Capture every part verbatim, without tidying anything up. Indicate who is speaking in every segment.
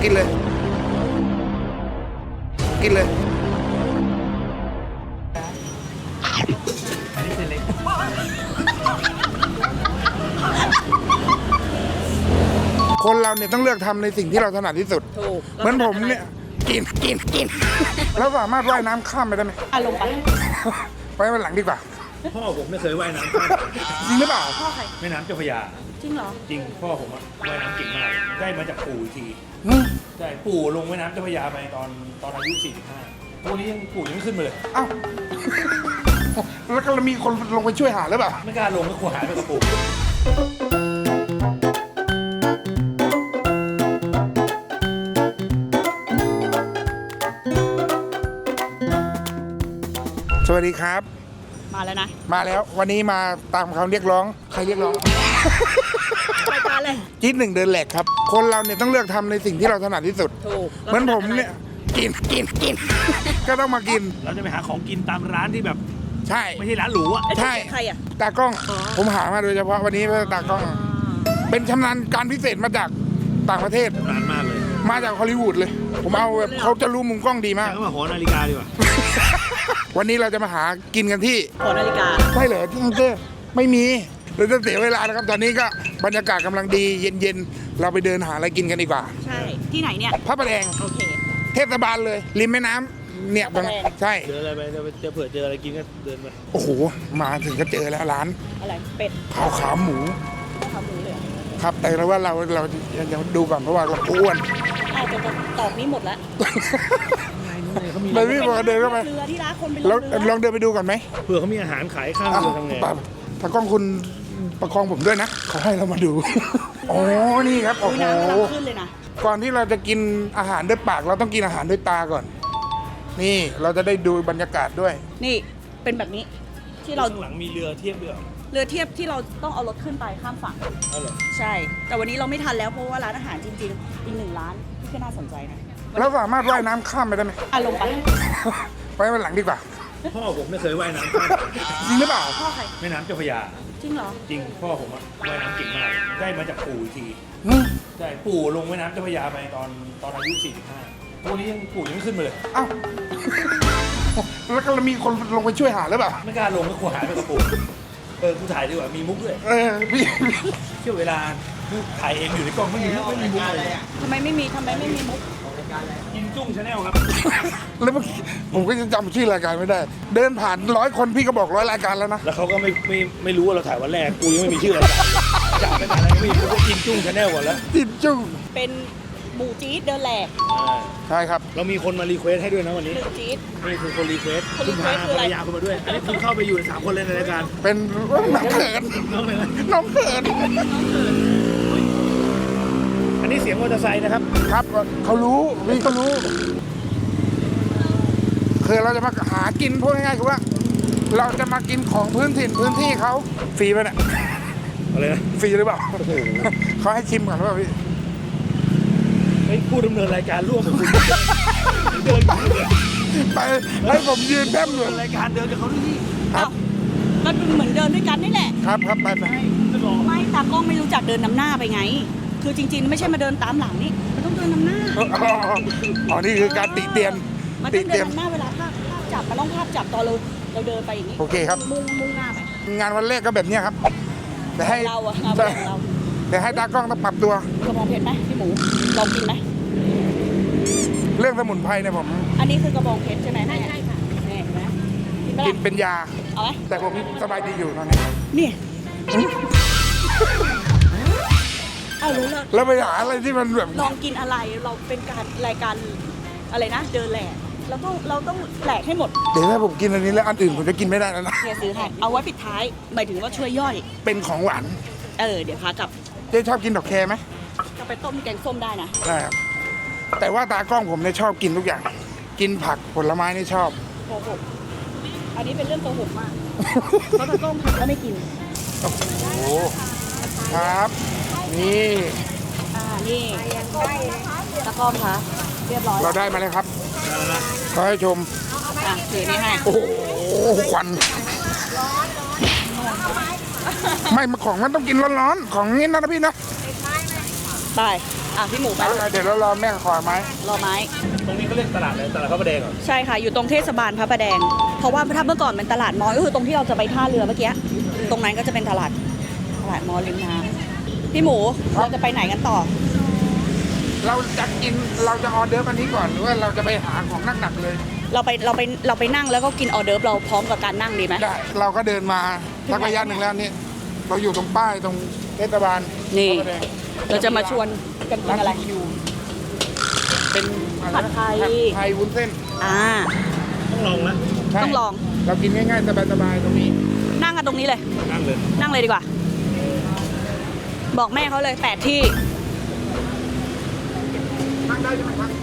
Speaker 1: กินเลยกินเลย
Speaker 2: อันนี้เส้นเล็ก
Speaker 1: คนเราเนี่ยต้องเลือกทำในสิ่งที่เราถนัดที่สุดเหมือนผมเนี่ยกินกินกินแล้วสามารถว่ายน้ำข้ามไปได้ไหม
Speaker 3: อ่ะลงไป
Speaker 1: ไปวันหลังดีกว่า
Speaker 2: พ่อผมไม่เคยว่ายน้ำข้าม
Speaker 1: จริงหรือเปล่า
Speaker 3: พ่อใคร
Speaker 2: แม่น้ำเจ้าพระยา
Speaker 3: จริงเหรอ
Speaker 2: จริงพ่อผมอะว่ายน้ำเก่งมากได้มาจากปู่อีกทีใช่ปู่ลงแม่น้ำเจ้าพระยาไปตอนตอนอายุสี่สิบห้าพวกนี้ยังปู่ยังไม่ขึ้นมาเลย
Speaker 1: อ้าวแล้วก็มีคนลงไปช่วยหาหรือเปล่า
Speaker 2: ไม่กล้าลงก็กลัวหายไปกับปู่
Speaker 1: สวัสดีครับ
Speaker 3: มาแล้วนะ
Speaker 1: มาแล้ววันนี้มาตามคำเรียกร้องใครเรียกร้อง
Speaker 3: รายการอะไร
Speaker 1: จี๊ดหนึ่งเดินแหลกครับคนเราเนี่ยต้องเลือกทำในสิ่งที่เราถนัดที่สุด
Speaker 3: ถูก
Speaker 1: เหมือนผมเนี่ยกินกินกินก็ต้องมากิน
Speaker 2: เราจะไปหาของกินตามร้านที่แบบ
Speaker 1: ใช่
Speaker 2: ไม่ใช่ร้านหรูอ่ะ
Speaker 1: ใช่
Speaker 3: ใครอ่ะ
Speaker 1: ตากล้องผมหามาโดยเฉพาะวันนี้เพื่อตากล้องเป็นชำนาญการพิเศษมาจากต่างประเทศ
Speaker 2: นานมากเลย
Speaker 1: มาจากฮอลลีวูดเลยผมเอาแบบเขาจะรู้มุมกล้องดีมาก
Speaker 2: ก็มาหอนาฬิกาดีกว่า
Speaker 1: วันนี้เราจะมาหากินกันที่
Speaker 3: หอนาฬิกา
Speaker 1: ใช่เหรอที่นั่นเต้ไม่มีเราจะเสียเวลานะครับตอนนี้ก็บรรยากาศกำลังดีเย็นๆเราไปเดินหาอะไรกินกันดีกว่า
Speaker 3: ใช่ที่ไหนเนี่ย
Speaker 1: พระประแดง
Speaker 3: โอเค
Speaker 1: เทศบาลเลยริมแม่น้ำเนี่ยตรงใช่
Speaker 2: เจออะไรไปจะเผื่อเจออะไรกินก็เดินไป
Speaker 1: โอ้โหมาถึงก็เจอแล้วร้าน
Speaker 3: อะไรเป็ด
Speaker 1: เผาขาหมู
Speaker 3: ขาหมูเลย
Speaker 1: ครับแต่เราว่าเราเรายังดูก่อนเพราะว่าเราอ้วน
Speaker 3: อาจจะตอบนี้หมดแล้ว
Speaker 1: ไปพี่บอกเดินเข้าไป
Speaker 3: เรือที่ร้านคนไป
Speaker 1: ลองลองเดินไปดูก่อนไหม
Speaker 2: เผื่อเขามีอาหารขายข้างเรือทำไง
Speaker 1: ถ้ากล้องคุณประคองผมด้วยนะเขาให้เรามาดูอ๋อนี่ครับโอ้โห
Speaker 3: ขึ้นเลยนะ
Speaker 1: ก่อนที่เราจะกินอาหารด้วยปากเราต้องกินอาหารด้วยตาก่อนนี่เราจะได้ดูบรรยากาศด้วย
Speaker 3: นี่เป็นแบบนี้ที่เรา
Speaker 2: ข้างหลังมีเรือเทียบเรือ
Speaker 3: เรือเทียบที่เราต้องเอารถขึ้นไปข้ามฝั่ง
Speaker 2: อ๋อเหรอ
Speaker 3: ใช่แต่วันนี้เราไม่ทันแล้วเพราะว่าร้านอาหารจริงๆอีกหนึ่งร้านที่ก็น่าสนใจนะ
Speaker 1: แล้วสามารถว่ายน้ำข้ามไปได้ไหม
Speaker 3: อ่ะลงไป
Speaker 1: ไปวันหลังดีกว่า
Speaker 2: พ่อผมไม่เคยว่ายน้ำข้าม
Speaker 1: จริงหรือเปล่า
Speaker 3: พ่อใคร
Speaker 2: แม่น้ำเจ้าพระยา
Speaker 3: จริงเหรอ
Speaker 2: จริงพ่อผมอะว่ายน้ำเก่งมากได้มาจากปู่อีกทีใช่ปู่ลงแม่น้ำเจ้าพระยาไปตอนตอนอายุสี่สิบห้าพวกนี้ยังปู่ยังไม่ขึ้นมาเลย
Speaker 1: อ้าวแล้วก็มีคนลงไปช่วยหาหรือเปล่า
Speaker 2: ไม่กล้าลงก็กลัวหายไปกับปู่เออกูถ่ายดีกว่ามีมุกด้วย
Speaker 1: เออพี่
Speaker 2: เที่ยวเวลาถ่ายเองอยู่ในกล้องไม่มีมุกไม่มีมุกอะไร
Speaker 3: ทำไมไม่มีทำไมไม่มีมุก
Speaker 2: กินจุ้งชาแนลครับ
Speaker 1: แล้วผมก็จะจำชื่อรายการไม่ได้เดินผ่านร้อยคนพี่ก็บอกร้อยรายการแล้วนะ
Speaker 2: แล้วเขาก็ไม่ไม่ไม่รู้ว่าเราถ่ายวันแรกกูยังไม่มีชื่อรายการจับไปถ่ายอะไรไม่มีกูก็กินจุ้งชาแนลก่อนแล้ว
Speaker 1: กินจุ้ง
Speaker 3: เป็นหมูจี๊ดเดินแหลก
Speaker 1: ใช่ครับ
Speaker 2: เรามีคนมารีเควสให้ด้วยนะวันนี้
Speaker 3: จี๊ด
Speaker 2: นี่คือคนรีเควสคุณพาภรรยาคุณมาด้วยอันนี้คุณเข้าไปอยู่ในสามคนเลยในรายการ
Speaker 1: เป็นน้องเขิน
Speaker 2: น้องเขิน
Speaker 1: น้องเขิน
Speaker 2: อันนี้เสียงมอเตอร์ไซค์นะครับ
Speaker 1: ครับเขารู้พี่เขารู้คือเราจะมาหากินพูดง่ายๆคือว่าเราจะมากินของพื้นถิ่นพื้นที่เขาฟรีป่ะเนี่ย
Speaker 2: อะไรนะ
Speaker 1: ฟรีหรือเปล่าเขาให้ชิมก่อนหรือเปล่าพี่
Speaker 2: ไม่พูดดำเนินรายการร่วมกับคุณเดิน
Speaker 1: ไปให้ผมยืนแป๊บหนึ่ง
Speaker 2: รายการเดินกับเขาด้วยนี่
Speaker 3: ครับก็เหมือนเดินด้วยกันนี่แหละ
Speaker 1: ครับครับไปไป
Speaker 3: ไม่ตากล้องไม่รู้จักเดินนำหน้าไปไงคือจริงๆไม่ใช่มาเดินตามหลังนี่มันต้องเดินนำหน้า
Speaker 1: อ๋อนี่คือการติเตียน
Speaker 3: มันต้องเดินนำหน้าเวลาภาพภาพจับมันต้องภาพจับตอนเราเราเดินไปอย่างนี้
Speaker 1: โอเคครับ
Speaker 3: มุ่งมุ่งหน้าไป
Speaker 1: งานวันแรกก็แบบนี้ครับแต่ให้
Speaker 3: เราอะงานวันเรา
Speaker 1: แต่ให้ตากล้องต้องปรับตัว
Speaker 3: กระบองเพชรไหมพี่หมูลองกินไหม
Speaker 1: เรื่องสมุนไพรเนี่ยผม
Speaker 3: อันนี้คือกระบองเพชรใช่ไหมใช่ใช่ค่ะเห็นไหม
Speaker 1: กินเป็นยา
Speaker 3: เอาไหม
Speaker 1: แต่ผมสบายดีอยู่ตอนนี้
Speaker 3: นี่เอารู้แล้ว
Speaker 1: แล้วไปหาอะไรที่มันแบบ
Speaker 3: ลองกินอะไรเราเป็นการรายการอะไรนะเดินแหลกแล้วก็เราต้องแหลกให้หมด
Speaker 1: เดี๋ยวถ้าผมกินอันนี้แล้วอันอื่นผมจะกินไม่ได้แล้วนะ
Speaker 3: เฮียซื้อให้เอาไว้ปิดท้ายหมายถึงว่าช่วยย่อย
Speaker 1: เป็นของหวาน
Speaker 3: เออเดี๋ยวพากลับ
Speaker 1: เจ๊ชอบกินดอกแคไหม
Speaker 3: ก็ไปต้มแกงส้มได้นะ
Speaker 1: ได้ครับแต่ว่าตากล้องผมเนี่ยชอบกินทุกอย่างกินผักผลไม้นี่ชอบ
Speaker 3: โกหกอันนี้เป็นเรื่องโกหกมากเพราะตากล้องผักก็ไม่กิน
Speaker 1: โอ้โหครับนี่
Speaker 3: อ่านี่ตากล้องคะเรียบร้อย
Speaker 1: เราได้มาเลยครับขอให้ชม
Speaker 3: อ่ะถือนี่ให้
Speaker 1: โอ้โหควันไม่มาของมันต้องกินร้อนๆของนี้นะพี่นะ
Speaker 3: ไปอ่ะพี่หมูไป
Speaker 1: เดี๋ยวเรารอแม่ขอไม้
Speaker 3: รอไม้
Speaker 2: ตรงนี้เขาเรียกตลาดอะไรตลาดพระประแดงเหรอ
Speaker 3: ใช่ค่ะ อยู่ตรงเทศบาลพระประแดง เพราะว่าถ้าเมื่อก่อนเป็นตลาดมอก็คือตรงที่เราจะไปท่าเรือเมื่อกี้ ตรงนั้นก็จะเป็นตลาดตลาดมอริมน้ำพี่หมูเราจะไปไหนกันต่อ
Speaker 1: เราจะกินเราจะออเดอร์อันนี้ก่อนหรือว่าเราจะไปหาของหนักๆเลย
Speaker 3: เราไปเราไปเราไปนั่งแล้วก็กินออเดิร์ฟเราพร้อมกับการนั่งดีไหม
Speaker 1: ได้เราก็เดินมาสักระยะหนึ่งแล้วนี่เราอยู่ตรงป้ายตรงเทศบาล
Speaker 3: นี่
Speaker 1: พระประแดง
Speaker 3: เราจะมาชวนกันกินอะไร
Speaker 1: านคิวเป็นอะไรนะ
Speaker 3: ผัดไทย
Speaker 1: ผัดไทยวุ้นเส้น
Speaker 3: อ่า
Speaker 2: ต้องลองนะ
Speaker 1: ใช่
Speaker 3: ต้องลอง
Speaker 1: เรากินง่ายๆสบายๆตรงนี้
Speaker 3: นั่งกันตรงนี้เลย
Speaker 2: นั่งเลย
Speaker 3: นั่งเลยดีกว่า บอกแม่เขาเลยแปดที่
Speaker 1: นั่งได้ใช่ไหมครับ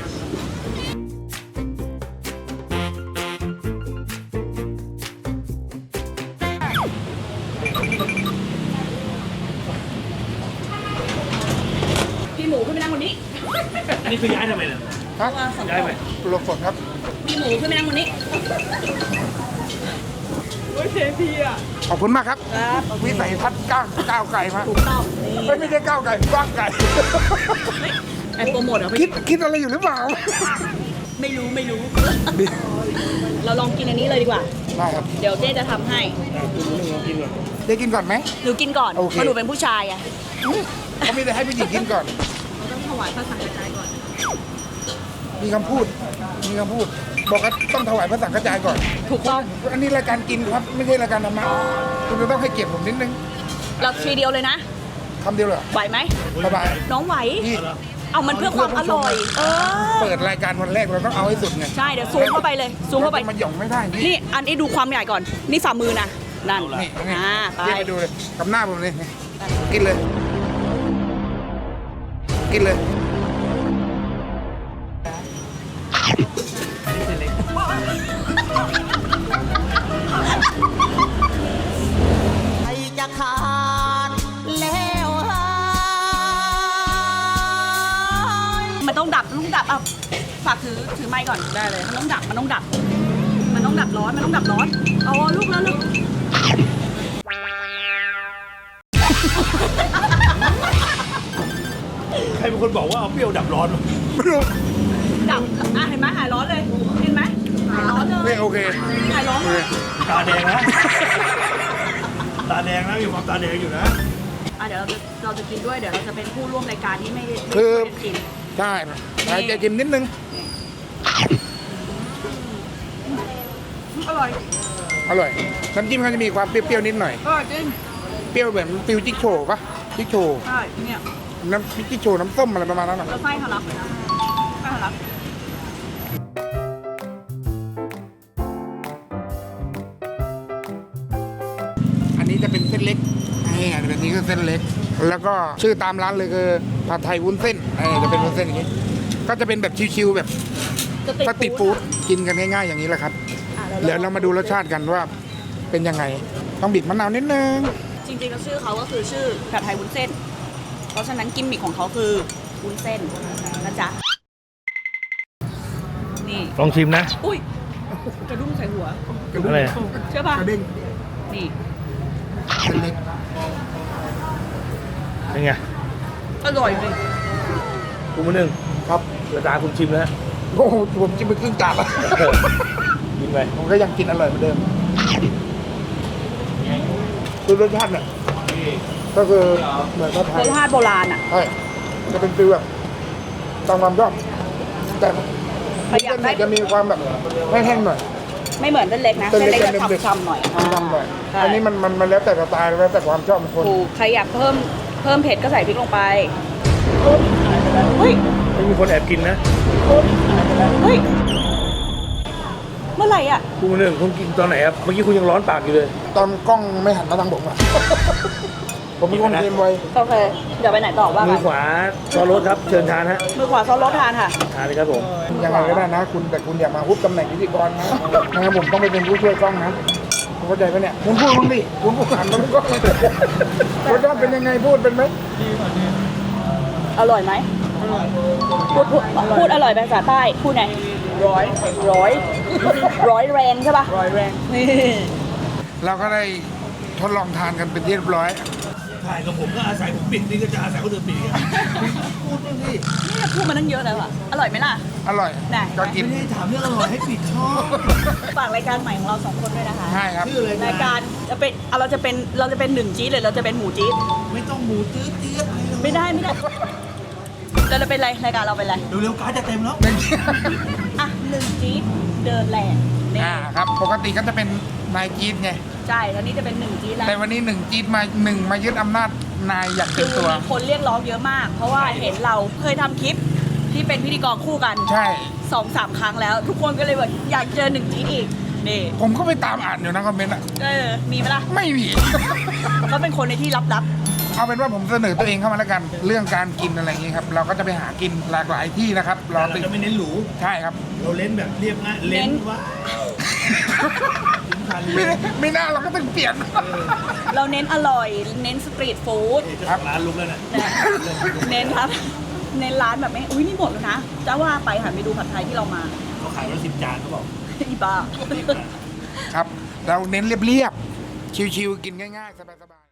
Speaker 3: พี่หมูขึ้นไปนั่งบนนี้
Speaker 2: อันนี้คือย้ายทำไมเนี่ย
Speaker 1: ฮะ
Speaker 3: ว่าฝน
Speaker 2: ย้าย
Speaker 3: ต
Speaker 2: ไป
Speaker 3: ก
Speaker 1: หลบฝนครับ
Speaker 3: พี่หมูขึ้นไปนั่งบนนี้โอ้ยเทพี่อ่ะ
Speaker 1: ขอบคุณมากครับ
Speaker 3: ครับ
Speaker 1: วิสัยทัศน์ก้าวก้าวไกลมาก
Speaker 3: ถูกต้องนี่
Speaker 1: เฮ้ยไม่ใช่ก้าวไกลกว้างไกล
Speaker 3: ไอโปรโมทเหรอ
Speaker 1: คิ
Speaker 3: พี่
Speaker 1: ดคิดอะไรอยู่หรือเปล่า
Speaker 3: ไม่รู้ไม่รู้ เราลองกินอันนี้เลยดีกว่า
Speaker 1: ได้ครับ
Speaker 3: เดี๋ยวเจ๊จะทำให้
Speaker 2: อ่ะคุณรู้เรื่องลองกินก่อน
Speaker 1: ได้กินก่อนไหม
Speaker 3: หนูกินก่อน
Speaker 1: โอเค
Speaker 3: เพราะหนูเป็นผู้ชายอะ
Speaker 1: เขาไม่ได้ให้ผู้หญิงกินก่อน
Speaker 3: เราต้องถวายพระสังฆทานก่อน
Speaker 1: มีคำพูด มีคำพูด บอกว่าต้องถวายพระสังฆจายก่อน
Speaker 3: ถูกต้อง
Speaker 1: อันนี้รายการกินครับ ไม่ใช่รายการธรรมะคุณจะต้องให้เกียรติผมนิดนึง
Speaker 3: เราทีเดียวเลยนะ
Speaker 1: คำเดียวเลยเหรอ
Speaker 3: ไหวไหม
Speaker 1: สบาย
Speaker 3: น้องไหว
Speaker 1: พี่
Speaker 3: เอามันเพื่อความอร่อย เออ
Speaker 1: เปิดรายการวันแรกเราต้องเอาให้สุดไง
Speaker 3: ใช่ เดี๋ยวซูมเข้าไปเลย ซูมเข้าไป
Speaker 1: มันหย่องไม่ได้นี่
Speaker 3: นี่ อันนี้ดูความใหญ่ก่อน นี่ฝ่ามือนะ นั่น
Speaker 1: นี่นี่
Speaker 3: อ่าไป
Speaker 1: เรียกไปดูเลยกับหน้าผมเลยนี่กินเลย กินเลย
Speaker 4: ใจจะขาดแล้วหาย
Speaker 3: มันต้องดับ มันต้องดับอ่ะฝากถือ ถือไม้ก่อน ได้เลย มันต้องดับ มันต้องดับ มันต้องดับร้อน มันต้องดับร้อน เอาลูกแล้วลูก
Speaker 2: ใครเป็นคนบอกว่าเอาเปรี้ยวดับร้อนวะ
Speaker 1: ไม่รู้
Speaker 3: ดับ อ่ะ เห็นไหมหายร้อนเลย เห็นไหมหายร้อนเล
Speaker 1: ไม่
Speaker 3: ย
Speaker 1: โอเค
Speaker 3: หายร้อน
Speaker 1: โอ
Speaker 3: เล
Speaker 1: เค
Speaker 3: ย
Speaker 2: ตาแดงนะ ตาแดงนะมีความตาแดงอยู่นะ
Speaker 3: อ่ะเดี๋ยวเราจะเราจะกินด้วย เดี๋ยวเราจะเป็นผู้ร่วมรายการที่ไม่ไม่
Speaker 1: คือ
Speaker 3: ได้กิน
Speaker 1: ใช่ใครจะจิ้มนิดนึง
Speaker 3: อร่อย
Speaker 1: อร่อย น้ำจิ้มเขาจะมีความเปรี้ยวๆนิดหน่อย
Speaker 3: อร่อยจริง
Speaker 1: เปรี้ยวเหมือนฟิวจิ๊กโชว์ปะจิ๊กโชว์
Speaker 3: ใช่เนี่ย
Speaker 1: น้ำจิ๊กโชว์น้ำส้มอะไรประมาณนั้นหรอ
Speaker 3: แล้วไส้ทะลักไส้ทะลัก
Speaker 1: อันนี้จะเป็นเส้นเล็กนี่อันนี้คือเส้นเล็ก แล้วก็ชื่อตามร้านเลยคือผัดไทยวุ้นเส้นเออจะเป็นวุ้นเส้นอย่างนี้ ก็จะเป็นแบบชิวๆแบบสตรีทฟู้ดกินกันง่ายๆอย่างนี้แหละครับ
Speaker 3: อ่ะ
Speaker 1: เดี๋ยวเรามาดูรสชาติกันว่าเป็นยังไง ต้องบีบมะนาวนิดนึง
Speaker 3: จริงๆแล้วชื่อเขาก็คือชื่อผัดไทยวุ้นเส้น เพราะฉะนั้นกิมมิคของเขาคือวุ้นเส้นนะจ๊ะ นี่
Speaker 2: ลองชิมนะ
Speaker 3: อุ้ยกระดุ้งใส่หัว
Speaker 2: อะไร
Speaker 3: เชื่อป่ะ
Speaker 1: กระเด้ง
Speaker 3: นี่
Speaker 1: เส้นเล็ก
Speaker 2: เป็นไง
Speaker 3: อร่อยเลย
Speaker 2: คุณมือหนึ่ง
Speaker 1: ครับ
Speaker 2: เวลาคุณชิมแล้ว
Speaker 1: โอ้โหผมกินไปครึ่งจานแล้ว
Speaker 2: กินไป
Speaker 1: ผมก็ยังกินอร่อยเหมือนเดิมคือรสชาติเนี่ยก็คือเหมือนผัดไท
Speaker 3: ร
Speaker 1: ย
Speaker 3: สชาติโบราณอ่ะ
Speaker 1: ใช่จะเป็นฟิลแบบตามความชอบแต่
Speaker 3: ประหยัดได้
Speaker 1: จะมีความแบบแห้งๆหน่อย
Speaker 3: ไม่เหมือนเส้นเล็กนะ เส้นเล็กจะ
Speaker 1: เด็ก
Speaker 3: ฉ่ำๆหน่อย
Speaker 1: ทำหน่อย
Speaker 3: ใช่
Speaker 1: อันนี้มันมันมันแล้วแต่สไตล์แล้วแต่ความชอบของคน
Speaker 3: ถูกใครอยากเพิ่มเพิ่มเผ็ดก็ใส่พริกลงไปเฮ้ย
Speaker 2: ไม่มีคนแอบกินนะ
Speaker 3: เฮ้ย เมื่อไหร่อ่ะ
Speaker 2: คุณมือหนึ่งคุณกินตอนไหนครับ เมื่อกี้คุณยังร้อนปากอยู่เลย
Speaker 1: ตอนกล้องไม่หันมาทางผมอะ ผมเป็นคนเกมไว
Speaker 3: โอเค เดี๋ยวไปไหนต่อว่า
Speaker 2: มื
Speaker 3: กั
Speaker 2: อน ขวาซอสรสครับ เชิญทานฮะ
Speaker 3: มือขวาซอสรสทานค่ะ
Speaker 2: ทานเลยครับผม
Speaker 1: ยังไงก็ได้นะ คุณแต่คุณอย่ามาฮุบตำแหน่งพิธีกรนะนะครับผมต้องไปเป็นผู้ช่วยกล้องนะคุณเข้าใจปะเนี่ยคุณพูดบ้างดิคุณพูดหันมาทางกล้องเลยรสชาติเป็นยังไงพูดเป็นไหม
Speaker 3: อร่อยไหมพูดพูดพูดอร่อยเป็นภาษาใต้ พูดไงร้อยร้อยร้อยแรงใช่ป่ะร้อยแรงนี่
Speaker 1: เราก็ได้ทดลองทานกันเป็นที่เรียบร้อย
Speaker 2: ทถ่ายกับผมก็อาศัยผมปิดนี่ก็จะอาศัยคนอื่นปิดอีกอะพูดบ้างสิ
Speaker 3: นี่พูดมาตั้งเยอะแล้วอะอร่อยไหมล่ะ
Speaker 1: อร่อย
Speaker 3: ไหน
Speaker 1: ก็กิน
Speaker 2: ไม่ได้ถามเรื่องอร่อยให้ปิดช่อง
Speaker 3: ฝากรายการใหม่ของเราสองคนด้วยนะคะ
Speaker 1: ใช่ครับ
Speaker 2: ชื่ออะไร
Speaker 3: รายการจะเป็นเอาเราจะเป็นเราจะเป็นหนึ่งจี๊ดหรือเราจะเป็นหมูจี๊ด
Speaker 2: ไม่ต้องหมูตื้อเตี้ยอะไรหรอก
Speaker 3: ไม่ได้ไม่ได้เราจะเป็นอะไรรายการเราเป็นอะไร
Speaker 2: เร็วๆการดจะเต็มแล้ว
Speaker 3: อ่ะหนึ่งจี๊ดเดินแหลกนี่
Speaker 1: อ่าครับ ปกติก็จะเป็นนายจี๊ดไง
Speaker 3: ใช่แล้วนี่จะเป็นหนึ่งจี๊ดแล้ว
Speaker 1: แต่วันนี้หนึ่งจี๊ดมาหนึ่งมายึดอำนาจนายอย่างเต็มตัว
Speaker 3: มีคนเรียกร้องเยอะมาก เพราะว่าเห็นเราเคยทำคลิปที่เป็นพิธีกรคู่กัน
Speaker 1: ใช่
Speaker 3: สองสามครั้งแล้ว ทุกคนก็เลยแบบอยากเจอหนึ่งจี๊ดอีกนี่
Speaker 1: ผมก็ไปตามอ่านอยู่นะคอมเมนต์อ่ะ
Speaker 3: เออมีไหมล่ะ
Speaker 1: ไม่มี
Speaker 3: เขาเป็นคนในที่ลับ
Speaker 1: เอาเป็นว่าผมเสนอตัวเองเข้ามาแล้วกัน เรื่องการกินอะไรอย่างนี้ครับ เราก็จะไปหากินหลากหลายที่นะครับ รอ
Speaker 2: เรา
Speaker 1: ติด
Speaker 2: จะไม่เน้นหรู
Speaker 1: ใช่ครับ
Speaker 2: เราเล่นแบบเรียบง่ายเล่นว้าวถึงพันเล
Speaker 1: ไม่
Speaker 2: ย
Speaker 1: ไม่น่าเราก็ต้องเปลี่ยน
Speaker 3: ๆ เราเน้นอร่อย เน้นสตรีทฟู้ด
Speaker 2: เจ้าของร้านลุกแล้วน่ะ
Speaker 3: นะเน้นครับ เน้นร้านแบบไม่อุ้ยนี่หมดแล้วนะจะว่าไปหันไปดูผัดไทยที่เรามา
Speaker 2: เขาขายวันละสิบจานเขาบอก
Speaker 3: อีบ้า
Speaker 1: ครับ เราเน้นเรียบๆ ชิวๆ กินง่ายๆ สบายๆ